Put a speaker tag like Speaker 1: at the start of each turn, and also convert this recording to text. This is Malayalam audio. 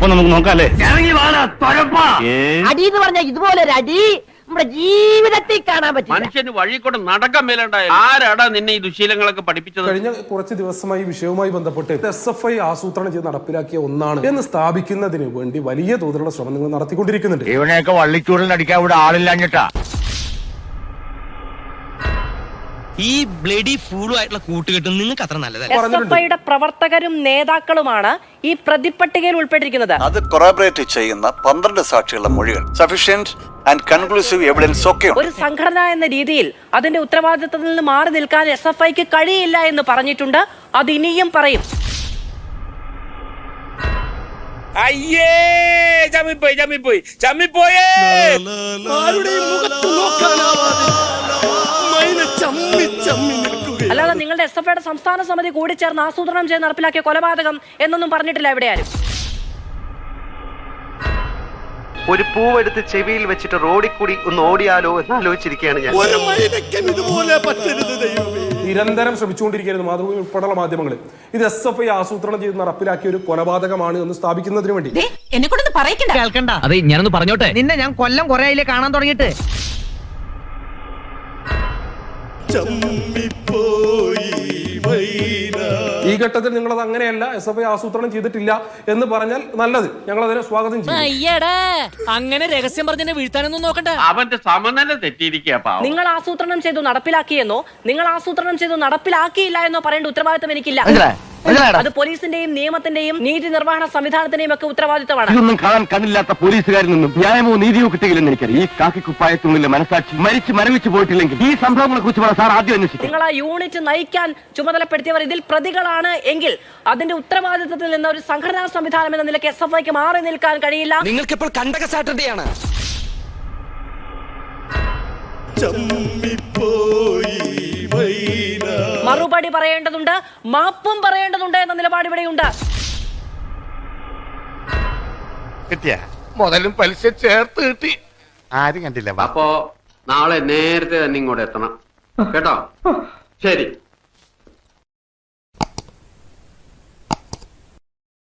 Speaker 1: അപ്പൊ നമുക്ക് നോക്കാല്ലേ?
Speaker 2: അടി എന്ന് പറഞ്ഞാൽ ഇതുപോലെ ഒരു അടി നമ്മുടെ ജീവിതത്തിൽ കാണാൻ പറ്റും.
Speaker 3: മനുഷ്യന് വഴി കൂടെ നടക്കാൻ മേലുണ്ടായ ആരാടാ നിന്നെ ഈ ദുശീലങ്ങളൊക്കെ പഠിപ്പിച്ചത്?
Speaker 4: കഴിഞ്ഞ കുറച്ച് ദിവസമായി ഈ വിഷയവുമായി ബന്ധപ്പെട്ട് SFI ആസൂത്രണം ചെയ്ത് നടപ്പിലാക്കിയ ഒന്നാണ് എന്ന് സ്ഥാപിക്കുന്നതിന് വേണ്ടി വലിയ തോതിലുള്ള ശ്രമം നിങ്ങൾ നടത്തിക്കൊണ്ടിരിക്കുന്നുണ്ട്.
Speaker 1: ഇവനെയൊക്കെ വള്ളിച്ചൂടിൽ അടിക്കാൻ ഇവിടെ ആളില്ലാഞ്ഞിട്ടാ.
Speaker 5: ഈ ബ്ലഡി ഫൂളുമായിട്ടുള്ള കൂട്ടുകെട്ടും നിങ്ങൾക്ക് അത്ര നല്ലതല്ല.
Speaker 6: SFIയുടെ പ്രവർത്തകരും നേതാക്കളുമാണ് ഈ പ്രതിപട്ടികയിൽ ഉൾപ്പെട്ടിരിക്കുന്നത്.
Speaker 7: അത് കൊറാബറേറ്റ് ചെയ്യുന്ന 12 സാക്ഷികളുടെ മൊഴികൾ സഫീഷ്യന്റ് ആൻഡ് കൺക്ലൂസീവ് എവിഡൻസ് ഒക്കെ
Speaker 6: ഒരു സംഘടന എന്ന രീതിയിൽ അതിന്റെ ഉത്തരവാദിത്തത്തിൽ നിന്ന് മാറി നിൽക്കാൻ SFIക്ക് കഴിയില്ല എന്ന് പറഞ്ഞിട്ടുണ്ട്. അത് ഇനിയും പറയും.
Speaker 3: അയ്യേ ചമ്മിപ്പോയി
Speaker 6: അല്ലാതെ നിങ്ങളുടെ SFIയുടെ സംസ്ഥാന സമിതി കൂടി ചേർന്ന് ആസൂത്രണം ചെയ്ത് നടപ്പിലാക്കിയ കൊലപാതകം എന്നൊന്നും പറഞ്ഞിട്ടില്ല എവിടെയാരും.
Speaker 8: ഒരു പൂവെടുത്ത് ചെവിയിൽ വെച്ചിട്ട് റോഡിൽ കൂടി ഒന്ന് ഓടിയാലോ എന്ന് ആലോചിച്ചിരിക്കുകയാണ് ഞാൻ.
Speaker 4: നിരന്തരം ശ്രമിച്ചുകൊണ്ടിരിക്കുകയായിരുന്നു മാതൃഭൂമി ഉൾപ്പെടെയുള്ള മാധ്യമങ്ങൾ ഇത് SFI ആസൂത്രണം ചെയ്ത് നടപ്പിലാക്കിയ ഒരു കൊലപാതകമാണ് എന്ന് സ്ഥാപിക്കുന്നതിന് വേണ്ടി.
Speaker 2: എന്നെ കൊണ്ടൊന്ന് പറയിക്കണ്ട.
Speaker 5: അതെ, ഞാനൊന്ന് പറഞ്ഞോട്ടെ.
Speaker 2: നിന്നെ ഞാൻ കൊല്ലം കുറെ ആയില്ലേ കാണാൻ തുടങ്ങിയിട്ട്.
Speaker 4: ഈ ഘട്ടത്തിൽ നിങ്ങളത് അങ്ങനെയല്ല, SFI ആസൂത്രണം ചെയ്തിട്ടില്ല എന്ന് പറഞ്ഞാൽ നല്ലത്, ഞങ്ങൾ അതിനെ സ്വാഗതം ചെയ്യും.
Speaker 5: അങ്ങനെ രഹസ്യം പറഞ്ഞ വീഴ്ത്താനൊന്നും നോക്കണ്ട.
Speaker 3: അവന്റെ സമനില തെറ്റിയിരിക്കുക.
Speaker 6: നിങ്ങൾ ആസൂത്രണം ചെയ്തു നടപ്പിലാക്കിയെന്നോ നിങ്ങൾ ആസൂത്രണം ചെയ്തു നടപ്പിലാക്കിയില്ല എന്നോ പറയേണ്ട ഉത്തരവാദിത്തം എനിക്കില്ല. അത് പോലീസിന്റെയും നിയമത്തിന്റെയും നീതി നിർവഹണ സംവിധാനത്തിന്റെയും ഒക്കെ ഉത്തരവാദിത്തമാണ്.
Speaker 1: ഇതൊന്നും കാണാൻ കണ്ണില്ലാത്ത പോലീസുകാരിൽ നിന്നും ന്യായമോ നീതിയോ കിട്ടുകയില്ലെന്ന് എനിക്കറിയാം. ഈ കാക്കിക്കുപ്പായത്തിനുള്ളിലെ മനസാക്ഷി മരവിച്ചു പോയിട്ടില്ലെങ്കിൽ ഈ സംഭവങ്ങളെ കുറിച്ച് സാർ ആദ്യം അന്വേഷിക്കും.
Speaker 6: നിങ്ങൾ ആ യൂണിറ്റ് നയിക്കാൻ ചുമതലപ്പെടുത്തിയവർ ഇതിൽ പ്രതികളാണ് എങ്കിൽ അതിന്റെ ഉത്തരവാദിത്തത്തിൽ നിന്ന് ഒരു സംഘടനാ സംവിധാനം എന്ന നിലയ്ക്ക് SFIക്ക് മാറി നിൽക്കാൻ കഴിയില്ല.
Speaker 5: നിങ്ങൾക്കിപ്പോൾ കണ്ടക സാറ്റർഡേയാണ്.
Speaker 6: മറുപടി പറയേണ്ടതുണ്ട്, മാപ്പും പറയേണ്ടതുണ്ട് എന്ന നിലപാട് ഇവിടെയുണ്ട്.
Speaker 1: കിട്ടിയ മുതലും പലിശ ചേർത്ത് കിട്ടി. ആരും കണ്ടില്ല.
Speaker 3: അപ്പോ നാളെ നേരത്തെ തന്നെ ഇങ്ങോട്ട് എത്തണം കേട്ടോ. ശരി.